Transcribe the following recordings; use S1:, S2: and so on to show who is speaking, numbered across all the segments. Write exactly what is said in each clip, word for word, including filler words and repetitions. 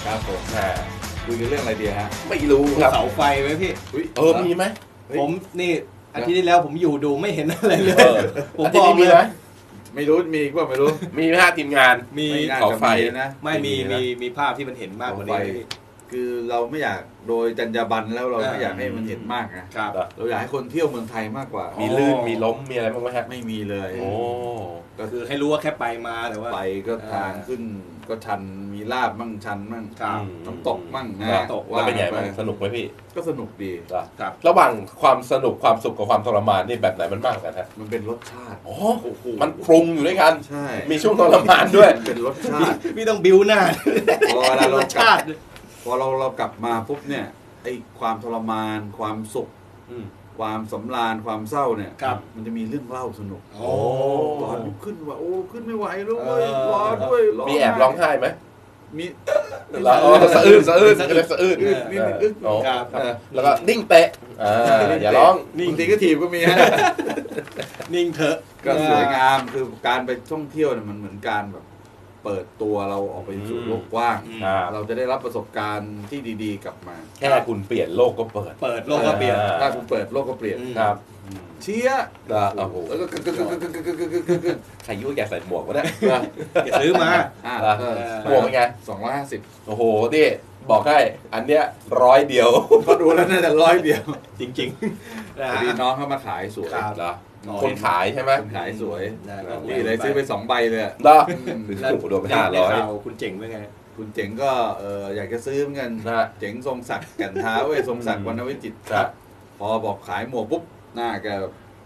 S1: ครับผม
S2: อ่า
S1: คุยกันเรื่องอะไรดีฮะ
S2: ไม่รู้ครับ
S3: เสาไฟไว้พี่
S1: อุ๊ย
S2: เออมีไหม
S3: ผมนี่อาทิตย์ที่แล้วผมอยู่ดูไม่เห็นอะไรเลย
S2: เออ
S3: ผม
S2: อา
S3: บ
S2: ทิต
S3: อก
S2: ย์นี้
S3: เล
S2: มีไหม
S3: ย
S1: ไม่รู้มีอีกว่าไม่รู้
S2: มีไหมฮะทีมงาน
S3: มี
S1: น่า
S2: เสา
S1: จะ
S2: ไฟ
S1: มีนะ
S3: ไม่มี
S2: ไม่มีนะ
S3: มีมีภาพที่มันเห็นมากกว่านี้
S1: เสาไฟ คือเราไม่อยากโดยจรรยาบรรณแล้วเรา
S3: อ่า
S1: ไม่อยากให้มันเห็นมากนะครับ เราอยากให้คนเที่ยวเมืองไทยมากกว่า
S2: มีลื่นมีล้มมีอะไรบ้างไหมฮะ
S1: ไม่มีเลย
S2: โอ้
S1: ก็
S3: คือให้รู้ว่าแค่ไปมาแต่ว่า
S1: ไปก็
S3: อ่า
S1: ทางขึ้นก็ชันมีลาบมั่งชันมั่ง
S3: ครับ
S1: น้ำตกมั่งนะ
S2: แล้ว
S3: ตก
S2: แล้วเป็นไง
S1: ไป
S2: บ้างสนุกไหมพี่
S1: ก็สนุกดี
S2: เหรอ
S3: ครับ
S2: ระหว่างความสนุกความสุขกับความทรมานนี่แบบไหนมันมากกว่ากันฮะ
S1: มันเป็นรสชาติ
S2: อ๋อ
S1: โอ้โห
S2: มันปรุงอยู่ด้วยกัน
S1: ใช่
S2: มีช่วงทรมานด้วย
S1: มันเป็นรสชาติ
S3: พี่ต้องบิ้วหน้า
S1: พอเวลาเรา
S3: รส
S1: กลั
S3: ชา
S1: บ
S3: ติ
S1: พอเราเรากลับมาปุ๊บเนี่ยไอ้ความทรมานความสุข
S2: อืม
S1: ความสำราญความเศร้าเนี่ย
S3: ครับ
S1: มันจะมีเรื่องเล่าสนุก
S3: โอ้
S1: ตอนขึ้นว่าโอ้ขึ้นไม่ไหวแล้วเว้ย
S3: เออ
S1: รอด้วยร
S2: มีแอบร้องไห้ไหม
S1: มี
S2: แล้วอ๋อสะอื้นสะอื้นก็เลยสะอื้น
S1: อึดนิดนึงอึด
S2: อ๋อ
S3: ครับ
S1: เออ
S2: แล้วก็นิ่งเตะอ่าอย่าร้อง
S1: บางทีก็ถีบก็มีฮะ
S3: นิ่งเถอะ
S1: ก็สวยงามคือการไปท่องเที่ยวเนี่ยมันเหมือนการแบบเปิดตัวเราออกไปสู่โลกกว้าง
S3: อืม
S2: ครับ
S1: เราจะได้รับประสบการณ์ที่ดีๆกลับมา
S2: แค่คุณเปลี่ยนโลกก็เปิด
S3: เปิดโลกก็เปลี่ยน
S2: อ่า
S1: ถ้าคุณเปิดโลกก็เปลี่ยน
S3: อืม
S2: ครับ
S1: เชียร์
S2: แล้วโอ้โห
S1: แล้วก็กึกกึกกึกกึกกึกกึกกึกกึกกึกกึก
S2: ใครยุ่งแกใส่หมวกวะเนี่ย
S3: แกซื้อมา
S1: อ่า
S2: แล้ว
S1: เออ
S2: หมวกเป็นไง
S1: สองร้อยห้าสิบ
S2: โอ้โหนี่บอกให้อันเนี้ยร้อยเดียว
S1: ก็ดูแล้วน่าจะร้อยเดียว
S3: จริงๆนะ
S1: พอ
S3: ฮะ
S1: ดีน้องเขามาขายสวย
S3: ครับ
S2: เหรอ
S3: อ๋อ
S2: คนขายใช่ไหม
S1: คนขายสวย
S3: ได้
S1: นี่เลยซื้อไปสองใบเลยอะ
S2: เหรอ
S1: อืม
S2: โอ้โหโดนไป
S3: ได้
S2: ห้าร้อย
S3: ข่าวคุณเจ๋งเป็นไง
S1: คุณเจ๋งก็เอออยากจะซื้อเหมือนกัน
S2: นะฮะ
S1: เจ๋งทรงศักดิ์แก่นเท้าเว้ยทรงศักดิ์วรรณวิจิตร
S2: ครับ
S1: พอบอกขายหมวกปุ๊บหน้าแกแบบ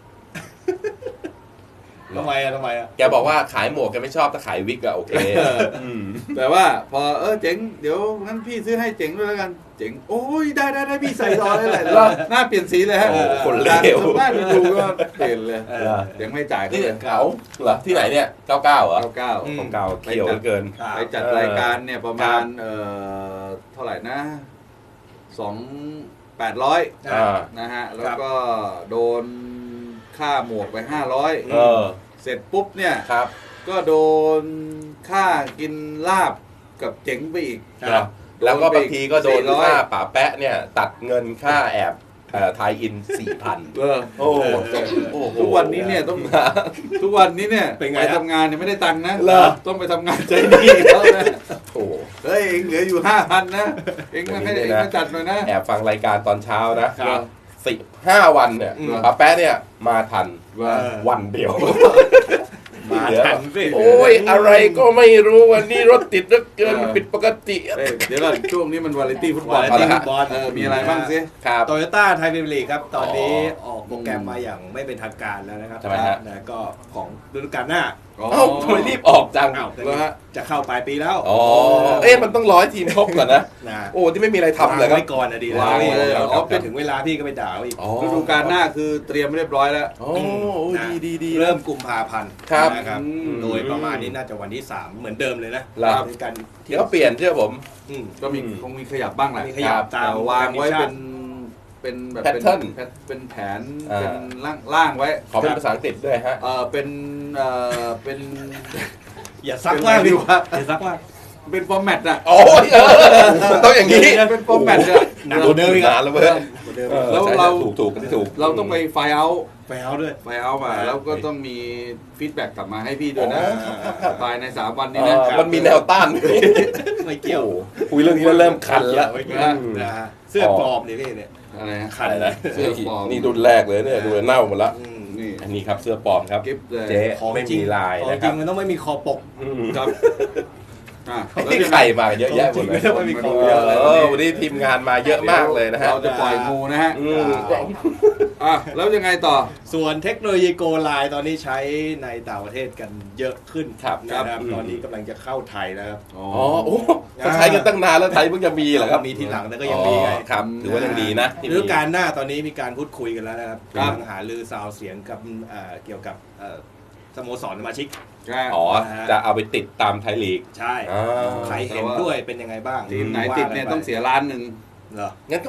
S3: ทำไมอะทำไมอะ
S2: แกบอกว่าขายหมวกแกไม่ชอบแต่ขายวิกอะโอเคม
S1: แต่ว่าพอเออเจ๋งเดี๋ยวงั้นพี่ซื้อให้เจ๋งด้วยแล้วกันเจ๋งโอ้ยได้ได้ได้พี่ใส่รอได้เลยแล้วหน้าเปลี่ยนสีเลยฮะ
S2: โอ้โหคนเลว
S1: สามารถดูก็เปลี่ยนเลย
S3: เอ
S2: เหร
S3: อ
S2: อ
S1: เจ๋งไม่จ่ายเขา
S2: นี่
S1: เลย
S2: เก๋าเหรอที่ไหนเนี่ยเก้าเก้าเหรอ
S1: เก้าเก้า
S3: อืม
S2: ของเก่าเขียวเหลือเกิน
S3: ครับ
S1: ไปจัด
S2: เออ
S1: รายการเนี่ยประมาณ
S2: ครับ
S1: เอ่อเท่าไหร่นะสองแปดร้อย
S2: อ่า
S1: นะฮะแล้วก็โดนค่าหมวกไปห้าร้อย
S2: เออ
S1: เสร็จปุ๊บเนี่ย
S2: ครับ
S1: ก็โดนค่ากินลาบกับเจ๋งไปอีก
S2: ครับแล้วก็บางทีก็โดน
S1: สี่ร้อย
S2: ค่าป๋าแปะเนี่ย ตัดเงินค่าแอบเอ่อทายอินสี่พัน
S1: เออ
S2: โอ้โห
S1: โอ้โหทุกวันนี้เนี่ยต้องทุกวันนี้เนี่ย
S3: เป็นไง
S1: ไป
S3: ฮะ
S1: ทำงานเนี่ยไม่ได้ตังค์นะ
S2: เหรอ
S1: ต้องไปทำงานใจดีเขานะ
S2: โอ้โห
S1: เฮ้ยเองเหลืออยู่ห้าพันนะเองมาให้
S2: เดี๋
S1: เอ
S2: ยว
S1: ง
S2: นี้นะ
S1: มาจัดหน่อยนะ
S2: แอบฟังรายการตอนเช้านะครับ สิบห้าวันเนี่ย
S3: อืม
S2: ป๋าแปะเนี่ยมาทัน
S1: ว่า
S3: เออ
S2: วันเดียว
S3: มาทันสิ
S2: โอ้ยอะไรก็ไม่รู้วันนี้รถติดเหลือเกินผิดปกติ
S1: เอ้ยเดี๋ยวก่อนช่วงนี้มันวาไรตี้ฟุตบอล
S3: วาไรตี้ฟุตบอล
S1: เออมีอะไรบ้างสิ
S2: ครับ
S3: โตโยต้าไทยพรีเมียร์ลีกครับ ตอนนี้ออกโปรแกรมมาอย่างไม่เป็นทางการแล้วนะครับ
S2: ทำไมฮะ
S3: นะก็ของฤดูกาลหน้า
S2: เอ้าทำไมรีบออกจัง
S3: อ้าวแต่
S1: เหรอฮะ
S3: จะเข้าปลายปีแล้ว
S2: อ๋อเอ๊ะมันต้องร้อยทีมครบก่อนนะ
S3: นะ
S2: โอ้ที่ไม่มีอะไรทำเลยครั
S3: ไว้
S2: บ
S3: ก่อนนะดีนะ
S1: วางเลย
S3: เรา
S1: อ๋อเป็
S3: เป็น นถึงเวลาพี่ก็ไปด่าเขาอีก
S2: อ๋อ
S1: ฤดูกาลหน้าคือเตรียมเรียบร้อยแล้ว
S2: โอ้ดีดีดี
S3: เริ่มกุมภาพันธ์
S2: ครับ
S3: นะครับ
S1: อืม
S3: โดยประมาณนี้น่าจะวันที่สามเหมือนเดิมเลยนะ
S2: ครับ
S3: ในการ
S2: เดี๋ยวเปลี่ยนเชื่อผม
S3: อืม
S1: ก็มี
S2: อืม
S1: คงมีขยับบ้างแหละ
S3: มีขยับตาม
S1: แต่วางไว้เป็นเป็นแบบเป็น
S2: Pattern
S1: เป็นแผน
S2: อ่า
S1: เป็นร่างร่างไว้
S2: ขอเป็นภาษาอังกฤษด้วยฮะ
S1: เออเป็นเออเป็น
S3: อย่าซักมาก
S1: เป็นไงดี
S3: ดิ
S1: วะ
S3: อย่าซักมาก
S1: เป็นฟอร์แมตอะ
S2: โอ้ยเออมันต้องอย่างนี้
S1: เป็นฟอร์แมตอะ
S3: หนักกว่าเดิมอีกอะ
S2: นานแล้วเว้ย
S3: เหมือนเดิม
S2: ออ
S1: แล้ว
S2: ใช่
S1: เรา
S2: ถูกถูกที่ถูก
S1: เราต้องไปไฟล์เอา
S3: ไปเอาด้วย
S1: ไฟล์เอามา
S3: อ่า
S1: แล้วก็ต้องมีฟีดแบ็กกลับมาให้พี่ด้วยนะ
S3: อ๋อ
S1: ภายในสามวัน
S2: เอ
S1: นี้นะ
S2: อมันมีแนวต้าน
S3: ไม่เกี่ยว
S2: โอ้คุยเรื่องนี้แล้วเริ่มคันแล้ว
S3: ไม่เกี่ยวนะฮะเสื้อปลอมนี่พี่เนี่ย
S1: อะไรฮะ
S3: คัน
S2: อะไรนะ
S1: เสื้อปลอม
S2: นี่รุ่นแรกเลยเนี่ยดูเน่าหมดละ
S3: อืม
S1: นี่
S2: อันนี้ครับเสื้อปลอมครับ
S1: กิฟต์เลย
S2: เจ๊ไม่มีลาย
S3: ของ
S2: นะ
S3: จ
S2: ค
S3: ริ
S2: รั
S3: ง
S2: บ
S3: มันต้องไม่มีคอปก
S2: อืม
S1: ครับอ่ะแล้ว
S2: นี่
S1: ยัง
S2: ไข่
S1: ไง
S2: มาเยอะแยะหมดเลย
S3: ไม่ต้องมีของ
S2: เอ
S3: เยอะเลย
S2: อวันนี้ทีมงานมาเยอะมากเลยนะฮะ
S1: เราจะปล่อยงูนะฮะ
S2: อืม
S1: อ่ะแล้วยังไงต่อ
S3: ส่วนเทคโนโลยีโกไลน์ตอนนี้ใช้ในต่างประเทศกันเยอะขึ้น
S2: ครับ
S3: นะครับ
S2: อืม
S3: ตอนนี้กำลังจะเข้าไทยแล้วครับ
S1: อ๋อ
S2: อ๋อโอ้ก็ใช้กันตั้งนานแล้วไทยเพิ่งจะมีเหรอครับ
S3: มีทีหลังแต่ก็ยังมีไง
S2: อ๋อครับถือว่ายังดีนะที่
S3: ฤ
S2: มี
S3: ดูกาลหน้าตอนนี้มีการพูดคุยกันแล้วนะครับ
S1: ครับ
S3: กำลังหาลือซาวเสียงกับเอ่อเกี่ยวกับเอ่อสโมสรสมาชิก
S2: อ๋อจะเอาไปติดตามไทยลีก
S3: ใช่
S2: อ่า
S3: ใครเห็นด้วยเป็นยังไงบ้าง
S1: ทีมไหนติดเนี่ยต้องเสียล้านหนึ่ง
S3: เหรอ
S2: งั้นก็ไป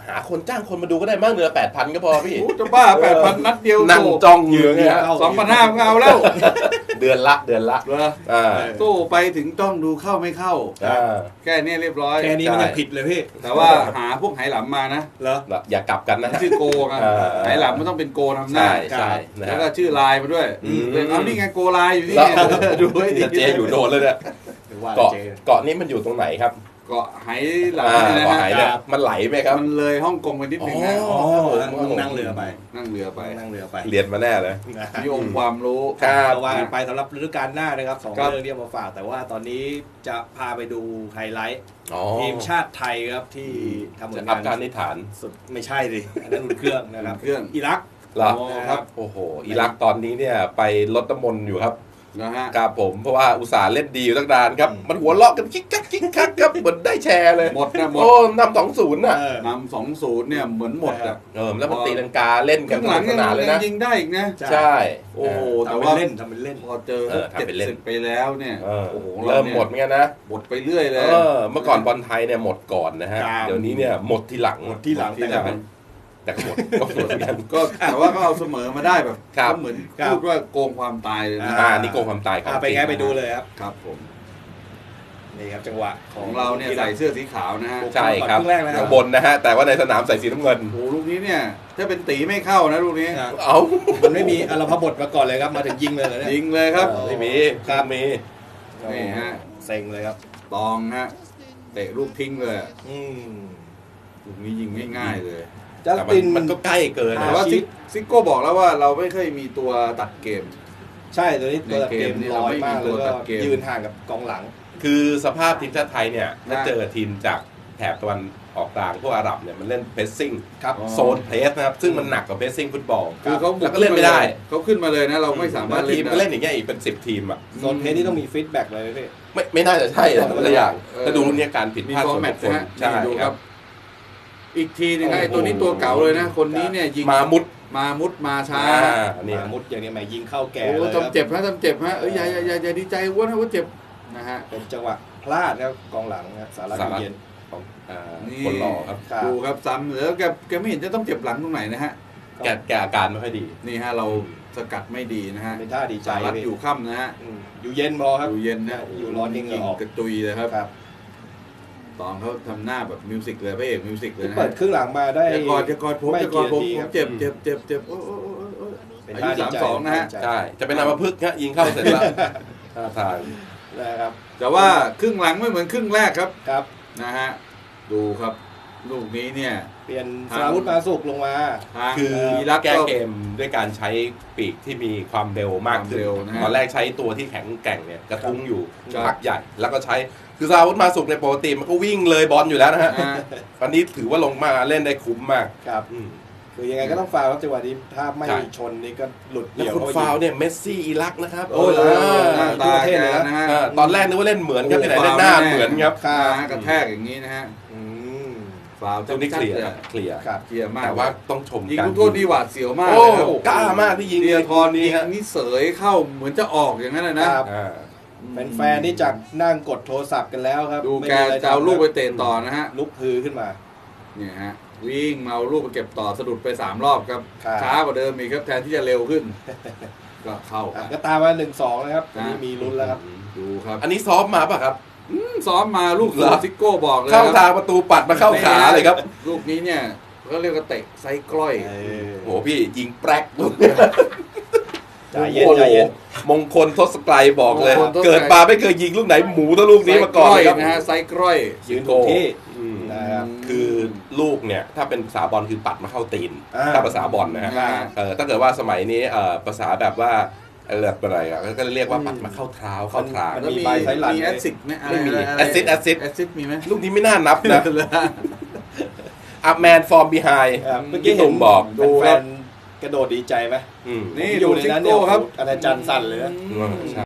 S2: หาคนจ้างคนมาดูก็ได้มากเดือนแปดพันก็พอพี่
S1: โอ้จะบ้าแปดพันนัดเดียว
S2: นั่งจ้องอยู่เนี่ย
S1: สองพันห้าเอาแล้ว
S2: เดือนละเดือนละ
S1: เหรอ
S2: อ่า
S1: ตู้ไปถึงต้องดูเข้าไม่เข้า
S2: อ่า
S1: แค่นี้เรียบร้อย
S3: แค่นี้มันยังผิดเลยพี่
S1: แต่ว่าหาพวกไหหลำมานะ
S3: เหรอ
S2: อย่ากลับกันนะ
S1: ชื่อโกกัน
S2: เออ
S1: ไหหลำมันต้องเป็นโกนำหน้า
S2: ใช่ใช่นะ
S1: แล้ว
S2: ฮะ
S1: ก็ชื่อลายมาด้วย
S2: อืม
S1: เอานี่ไงโกลายอยู่นี่
S2: แล้ว
S1: ไงดูให้ดี
S2: เจอยู่โดนเลยเนี่ย
S3: หรือว่า
S2: เกาะ
S3: เจ
S2: เกาะนี้มันอยู่ตรงไหนครับ
S1: เกาะไหหลำ
S2: อ่า
S1: เนี่ยนะ
S2: เกาะ
S1: ฮะ
S2: ไหเนี่ยมันไหลไหมครับ
S1: มันเลยฮ่องกงไปนิดนึงนะ
S2: อ๋
S3: อ๋
S2: อ
S3: อต้องนั่งเรือไป
S1: นั่งเรือไป
S3: นั่งเรือไป
S2: เรียนมาแน่เลย
S3: นะ
S1: มีองค์ความรู้
S2: ครับ
S3: ก็ว่ากันไปสำหรับฤดูกาลหน้านะครับสอง
S1: ครับ
S3: เรื่องที่เอามาฝาก แต่ว่าตอนนี้จะพาไปดูไฮไลท์
S2: อ๋อ
S3: ทีมชาติไทยครับที่ทำผ
S2: จะ
S3: ล
S2: อั
S3: งา
S2: พการ
S3: น
S2: นิฐาน
S3: สุดไม่ใช่ดิอันนั้นอุ่นเครื่องนะครับ
S1: เครื่อง
S3: อิรัก
S2: เหรอ
S1: โอ้ครับ
S2: โอ้โหอิรักตอนนี้เนี่ยไปลดน้ำมนต์อยู่ครับ
S1: นะฮะ
S2: ครับผมเพราะว่าอุตส่าห์เล่นดีอยู่ตั้งนานครับ
S3: อืม
S2: มันหัวเราะกันคิกคักคิกคักครับเหมือนได้แชร์เลย
S1: หมดนะหมด
S2: โอ้นำสองศูนย์น่ะ
S3: เออ
S1: นำสองศูนย์เนี่ยเหมือนหมดอ่ะ
S2: เออแล้วมันตีลังกาเล่นกัน
S1: ข้างหลัง
S2: ส
S1: ยัง
S2: นานเลย
S1: ยั
S2: นะ
S1: งยิงได้อีกนะ
S2: ใช่
S1: โอ้โห
S3: ทำ
S1: แต่
S3: เป็น
S1: ว่า
S3: เล่นทำเป็นเล่น
S1: พอเจอ
S2: เออทำ
S1: เจ็ด
S2: เป็นเล่น
S1: สิบไปแล้วเนี่ย
S2: เออ
S1: โอ้โห
S2: เริ่ม
S1: นี่ย
S2: หมดเหมือนกันนะ
S1: หมดไปเรื่อยเลย
S2: เออเมื่อก่อนบอลไทยเนี่ยหมดก่อนนะฮะ
S3: ครับ
S2: เดี๋ยวนี้เนี่ยหมดทีหลัง
S3: หมดที่หลัง
S1: ที่
S3: แต่
S1: หลั
S3: ก็
S1: ง
S2: แต่ก็หมดก็หมดเหมือนกัน
S1: ก็แต่ว่าก็เอาเสมอมาได้แบบ
S2: ครับ
S1: ก็เหมือน
S3: ครับ
S1: พูดว่าโกงความตายเลยนะ
S2: อ่านี่โกงความตายครับ
S3: อ่าไปไงไปดูเลยครับ
S1: ครับผม
S3: นี่ครับจังหวะข
S1: ข
S3: อ
S1: อง งเราเนี่ยใส่เสื้อสีขาวนะฮะ
S2: ใช่ครับ
S3: ครึ่งแรกแล้ว
S2: ข้างบนนะฮะแต่ว่าในสนามใส่สีน้ำเงิน
S1: โอ้โหลูกนี้เนี่ยถ้าเป็นตีไม่เข้านะลูกนี้
S3: ครับ
S2: เอ้า
S3: มันไม่มีอารมพบทมาก่อนเลยครับ มาถึงยิงเลยเหรอเนี่ย
S1: ยิงเลยครับ
S3: เออ
S2: ไม่มี
S3: ครับ
S2: มี
S1: นี่ฮะ
S3: เซ็งเลยครับ
S1: ตองฮะเตะลูกทิ้งเลยอะ
S3: อืม
S1: ลูกนี้ยิงง่ายๆเลย
S3: จัส
S2: แต่มัน
S3: ติน
S2: มันก็ใกล้เกิน
S1: แต่
S2: นะ
S1: ว่าซิกซิโก้บอกแล้วว่าเราไม่เคยมีตัวตัดเกม
S3: ใช่ตัวนี้ตัวตัดเกม
S1: ในเกมนี่
S3: ล
S1: เรา
S3: อย
S1: ไม่มี
S3: มาก
S1: ตั
S3: แล้ว ว
S1: ตั
S3: ก็
S1: ดเกม
S3: ยืนห่างกับกองหลัง
S2: คือสภาพทีมชาติไทยเนี่ยถ้า
S1: นะ
S2: เจอทีมจากแถบตะวันออกกลางพวกอาหรับเนี่ยมันเล่นเพรสซิ่ง
S3: ครับ
S1: อ๋อ
S2: โซนเพรสนะครับซึ่งมันหนักกว่าเพรสซิ่งฟุตบอล
S1: คือเขาบุ
S2: แล้วก็เล่นไม่ได้
S1: เขาขึ้นมาเลยนะ เราไม่สามารถ
S2: แล้วทีมก็
S1: เล่
S2: เล่
S1: น
S2: นอย่างเงี้ยอีกเป็นสิบทีมอ่ะ
S3: โซนเพจนี่ต้องมีฟีดแบ็กเลยพี่
S2: ไม่ไม่น่าจะใช่นะแต่ละอย่าง
S1: เออ
S2: ถ้าดูรุ่นเนี้ยการผิด
S1: มี
S2: พลาด
S1: ฟอ
S2: ส่ว
S1: ร์
S2: น
S1: แม
S2: บุ
S1: ต
S2: คคล
S1: นะฮะ
S2: ใช่
S1: นี่ดู
S2: ค
S1: ค
S2: รั
S1: รับ บ อีกทีหนึงนะไอ้ตัวนี้ตัวเก่าเลยนะ คนนี้เนี่ยยิง
S2: มามุด
S1: มามุดมาช้า
S2: อ่านี่
S3: มามุดอย่างนี้แหมยิงเข้าแก่
S1: โอ้
S3: เลยครับ
S1: ทำเจ็บนะทำเจ็บฮะเอ้ยอย่าอย่าอย่าอย่าดีใจอ้วนนะว่าเจ็บนะฮะ
S3: เป็นจังหวะพลาดครับกองหลังครับสารัต
S2: สารัต
S3: เย็น
S2: ของอ่า
S1: นี่
S2: คนหล่อครับ
S3: ครับ
S1: ดูครับซ้ำแล้วแกแกไม่เห็นจะต้องเจ็บหลังตรงไหนนะฮะ
S2: แกแกอาการไม่ค่อยดี
S1: นี่ฮะเราสกัดไม่ดีนะฮะ
S3: เป็นท่าดีใจ
S1: สารัต
S3: พี่
S1: อยู่ค่ำนะฮะ
S3: อืมอยู่เย็นพอครับ
S1: อยู่เย็นนะ
S3: อยู่ร้อนนี่เหงื่อออก
S1: กระจุยเลยครับ
S3: ครับ
S1: ตอนเขาทำหน้าแบบมิวสิกเลยพระเอกมิวสิกเลยนะ
S3: เปิ
S1: ฮะ
S3: ดครึ่งหลังมาได้
S1: จะกอดจะกอดผม
S3: ไม่
S1: จะกอดผม
S3: กี่
S1: ผ
S3: นาทีครั
S1: ม
S3: บ
S1: เจ็บเจ็บเจ็บเจ็บโอ้โอ้โอ้โอ้
S3: เป็น
S1: อา
S3: ท่า
S1: ยุ
S3: ดี
S1: สาม
S3: ใจ
S1: สองนะฮะ
S2: ใช่จะเป็นอัมพฤกษ์ฮะยิงเข้าเสร็จแล้วท่าทาง
S3: นะครับ
S1: แต่ว่าครึ่งหลังไม่เหมือนครึ่งแรกครับ
S3: ครับ
S1: นะฮะดูครับลูกนี้เนี่ย
S3: เปลี่ยน
S1: ทาง
S3: สราวุธมาสุกลงมา
S1: ทาง
S2: คือ
S1: อิรัก
S2: แก้
S1: ก็
S2: เกมด้วยการใช้ปีกที่มีความเร็วมากขึ้น
S1: ความเร็วนะฮะ
S2: ตอนแรกใช้ตัวที่แข็งแกร่งเนี่ยกระทุ้งอยู่
S1: ครับ
S2: พักใหญ่ แล้วก็ใช้คือซาวุธมาสุกในปกติมันก็วิ่งเลยบอลอยู่แล้วนะฮะ
S1: อ่า
S2: วันนี้ถือว่าลงมาเล่นได้คุ้มมาก
S3: ครับ
S2: อืม
S3: คือยังไงก็ต้องฟาวล์ครับจังหวะนี้ถ้าไม่
S2: ใช่
S3: ชนนี่ก็หลุด
S2: แล้ว
S3: เดี่ยว
S2: คุณ
S3: เข้าไป
S2: ฟาวล์
S3: ยิง
S2: เนี่ยเมสซี่อิรักนะครับ
S3: โอ้ย
S1: หน้าตาแกนะฮะ
S2: อ่าตอนแรกนึกว่าเล่นเหมือนครับที่ไหนได้หน้าเหมือนครับ
S3: ครั
S1: ขา
S3: บ
S1: กระแทกอย่างนี้นะฮะ
S3: อืม
S1: ฟาวล์
S2: ตรงนี้เคลียร์
S1: ชัดๆ
S2: ครับเคลียร์
S3: ครับ
S1: เคลียร์มาก
S2: แต่ว่าต้องชม
S1: ยิง
S2: การ
S1: ลูกโทษนี่หวาดเสียวมาก
S2: โอ้
S1: เลยครับ
S2: กล้ามากที่ยิง
S1: เดียทร
S2: นี้
S1: ยิง
S2: ฮะ
S1: นี่เสยเข้าเหมือนจะออกอย่างนั้นนะนะครับ
S2: อ่า
S3: แฟนๆนี่จากนั่งกดโทรศัพท์กันแล้วครับ
S1: ดู
S3: ไม่
S1: แก
S3: มีอะไร
S1: จะเอา
S3: ทำ
S1: ลูกไป
S3: ครับ
S1: เตะต่อนะฮะ
S3: ลุกฮือขึ้นมา
S1: เนี่ยฮะวิ่งมาเอาลูกไปเก็บต่อสะดุดไปสามรอบครับ
S3: ครับ
S1: ช้ากว่าเดิมอีกครับแทนที่จะเร็วขึ้น ก็เข้า
S3: อ่ะ
S1: ไป
S3: ก็ตามมาหนึ่งสองนะครับตอนนี้
S1: นะ
S3: มีลุ้นแล้วครับ
S1: ดูครับ
S2: อันนี้ซ้อมมาป่ะครับ
S1: อืมซ้อมมาลูก
S2: เหรอ
S1: ซิโก้บอกเลย
S2: เข้า
S1: ค
S2: ทา
S1: รับ
S2: งประตูปัดมาเข้าขาเลยครับ
S1: ลูกนี้เนี่ยก็เรียกว่าเตะไซส์กล้อย
S3: เออ
S2: โหพี่ยิงแปรกลูก
S3: ใจเย็น
S2: โอ้โห
S3: ใจเย็น
S2: มงคลทศไกรบอกเลย
S1: มงคลทศไกร
S2: เกิดมาไม่เคยยิงลูกไหนหมูเท่าลูกนี้มาก่อนเลยครับ
S1: นะฮะไซส์กล้อย
S3: ยืนถูกที่
S2: อืม
S3: นะครับ
S2: คือลูกเนี่ยถ้าเป็นภาษาบอลคือปัดมาเข้าตีน
S3: อ่า
S2: ถ้าภาษาบอลนะฮะ
S1: อ่า
S2: เออถ้าเกิดว่าสมัยนี้เอ่อภาษาแบบว่าอะไรแบบอะไรอ่ะก็เรียกว่าปัดมาเข้าเท้าเข้าทาง
S3: มัน
S1: แล้ว
S3: มี
S1: มี
S3: ใบไซส์หลัง
S1: มีแอสซิดไหม
S2: ไม่มี
S1: ะร
S2: แอสซิดแอสซิด
S1: แอสซิดมีไหม
S2: ลูกนี้ไม่น่านับนะ อัพแมนฟอร์มบีไฮ
S3: ครับเมื่อ
S2: พี่
S3: กี้
S2: ตุ่
S3: เห็น
S2: มบอก
S1: ดู
S3: แฟ
S1: ครับ
S3: นๆกระโดดดีใจไหม
S2: อืม
S1: นี่
S3: อยู่ในนั้นเนี่ย
S1: ดูซิโก้ครับ
S3: อาจารย์สั่นเลยนะ
S2: อืมใช่